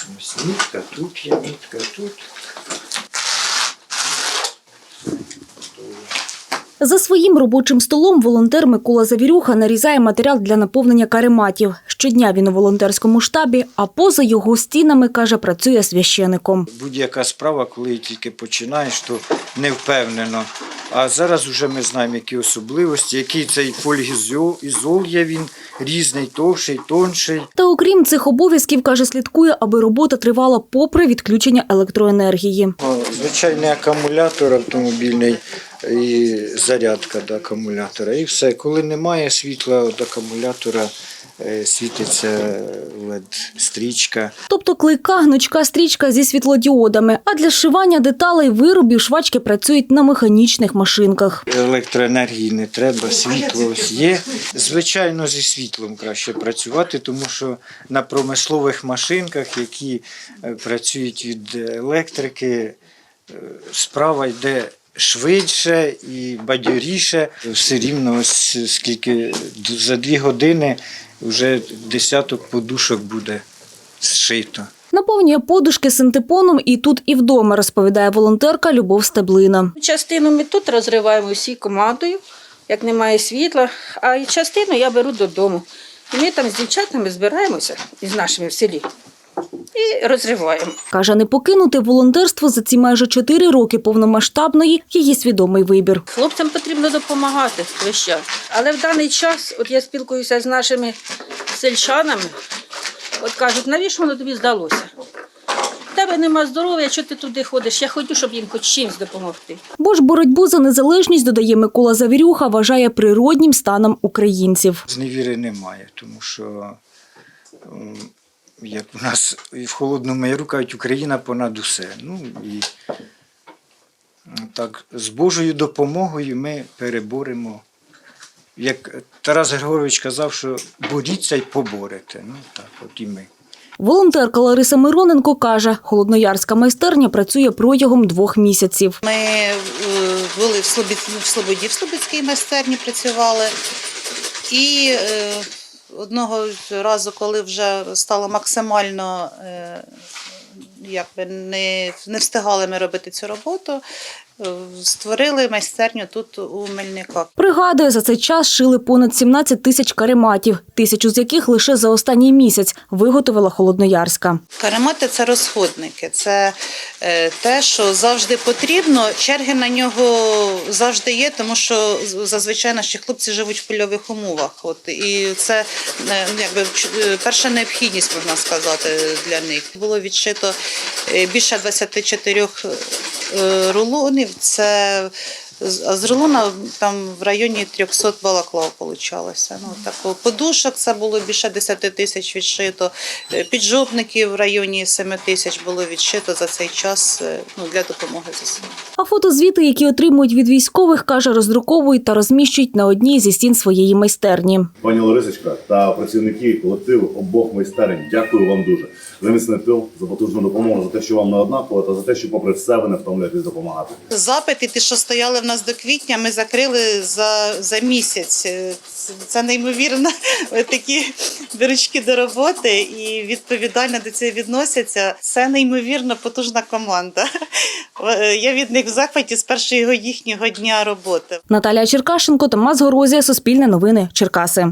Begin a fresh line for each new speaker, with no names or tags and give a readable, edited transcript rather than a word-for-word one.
Ось нитка, тут є нитка, тут.
За своїм робочим столом волонтер Микола Завірюха нарізає матеріал для наповнення карематів. Щодня він у волонтерському штабі, а поза його стінами, каже, працює священиком.
Будь-яка справа, коли тільки починаєш, то не впевнено. А зараз вже ми знаємо, які особливості, який цей полігізол є, він різний, товщий, тонший.
Та окрім цих обов'язків, каже, слідкує, аби робота тривала попри відключення електроенергії.
Звичайний акумулятор автомобільний і зарядка до акумулятора. І все. Коли немає світла від акумулятора, світиться LED-стрічка.
Тобто клейка, гнучка стрічка зі світлодіодами. А для зшивання деталей виробів швачки працюють на механічних машинках.
Електроенергії не треба, світло ось є. Звичайно, зі світлом краще працювати, тому що на промислових машинках, які працюють від електрики, справа йде швидше і бадьоріше. Все рівно, ось скільки за 2 години вже десяток подушок буде зшито.
Наповнює подушки синтепоном і тут, і вдома, розповідає волонтерка Любов Стеблина.
Частину ми тут розриваємо всі командою, як немає світла, а частину я беру додому. І ми там з дівчатами збираємося із нашими в селі і розриваємо.
Каже, не покинути волонтерство за ці майже 4 роки повномасштабної – її свідомий вибір.
Хлопцям потрібно допомагати весь час. Але в даний час, от я спілкуюся з нашими сельчанами, от кажуть, навіщо воно тобі здалося? В тебе нема здоров'я, що ти туди ходиш? Я хочу, щоб їм хоч чимось допомогти.
Бо ж боротьбу за незалежність, додає Микола Завірюха, вважає природнім станом українців.
Зневіри немає, тому що, як у нас і в Холодному Яру кажуть, Україна понад усе. Ну, і так, з Божою допомогою ми переборемо. Як Тарас Григорович казав, що боріться й поборете. Ну, так, от і ми.
Волонтерка Лариса Мироненко каже, холодноярська майстерня працює протягом 2 місяців.
Ми були в Слободі, в Слободській майстерні працювали. І одного разу, коли вже стало максимально, не встигали ми робити цю роботу, створили майстерню тут у Мельниках.
Пригадує, за цей час шили понад 17 тисяч карематів, 1000 з яких лише за останній місяць виготовила Холодноярська.
Каремати – це розходники, це те, що завжди потрібно. Черги на нього завжди є, тому що зазвичай наші хлопці живуть в польових умовах. От, і це якби перша необхідність, можна сказати, для них. Було відшито більше 24 рулонів. А з рулона там в районі 300 балаклав вийшло. Ну, так, подушок це було більше 10 тисяч відшито, піджопників в районі 7 тисяч було відшито за цей час для допомоги ЗСУ.
А фотозвіти, які отримують від військових, каже, роздруковують та розміщують на одній зі стін своєї майстерні.
Пані Ларисочка та працівники колективу обох майстерень, дякую вам дуже за міцний тил, за потужну допомогу, за те, що вам не однаково, та за те, що попри все ви не втомляєтесь допомагати.
Запити, ті, що стояли в нас до квітня, ми закрили за місяць. Це неймовірно, такі дирочки до роботи і відповідально до цього відносяться. Це неймовірно потужна команда. Я від них в захваті з першого їхнього дня роботи.
Наталія Черкашенко, Томас Горозія, Суспільне новини, Черкаси.